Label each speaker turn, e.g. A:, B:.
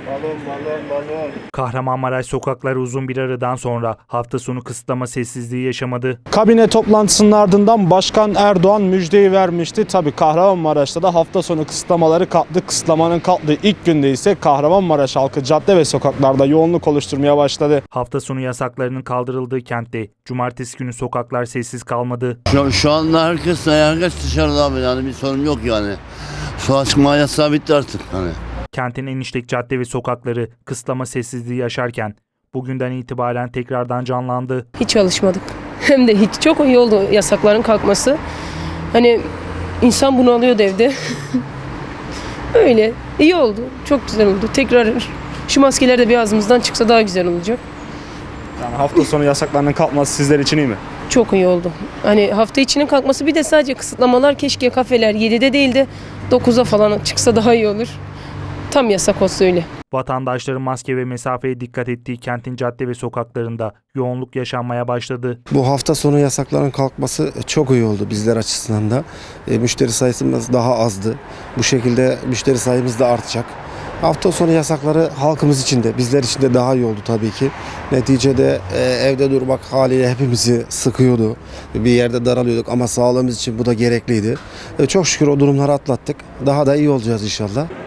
A: Balon.
B: Kahramanmaraş sokakları uzun bir aradan sonra hafta sonu kısıtlama sessizliği yaşamadı.
C: Kabine toplantısının ardından Başkan Erdoğan müjdeyi vermişti. Tabii Kahramanmaraş'ta da hafta sonu kısıtlamaları kalktı. Kısıtlamanın kalktığı ilk günde ise Kahramanmaraş halkı cadde ve sokaklarda yoğunluk oluşturmaya başladı.
B: Hafta sonu yasaklarının kaldırıldığı kentte cumartesi günü sokaklar sessiz kalmadı.
D: Şu anda herkes dışarıda abi, yani bir sorun yok yani. Sokağa çıkma yasağı bitti artık hani.
B: Kentin en işlek cadde ve sokakları kısıtlama sessizliği yaşarken bugünden itibaren tekrardan canlandı.
E: Hiç çalışmadık. Hem de hiç. Çok iyi oldu yasakların kalkması. Hani insan bunu alıyordu evde. Öyle. İyi oldu. Çok güzel oldu. Tekrar şu maskeler de bir ağzımızdan çıksa daha güzel olacak.
C: Yani hafta sonu yasaklarının kalkması sizler için iyi mi?
E: Çok iyi oldu. Hani hafta içinin kalkması, bir de sadece kısıtlamalar, keşke kafeler 7'de değil de 9'a falan çıksa daha iyi olur. Tam yasak olsa öyle.
B: Vatandaşların maske ve mesafeye dikkat ettiği kentin cadde ve sokaklarında yoğunluk yaşanmaya başladı.
F: Bu hafta sonu yasakların kalkması çok iyi oldu bizler açısından da. Müşteri sayısımız daha azdı. Bu şekilde müşteri sayımız da artacak. Hafta sonu yasakları halkımız için de bizler için de daha iyi oldu tabii ki. Neticede evde durmak haliyle hepimizi sıkıyordu. Bir yerde daralıyorduk ama sağlığımız için bu da gerekliydi. Çok şükür o durumları atlattık. Daha da iyi olacağız inşallah.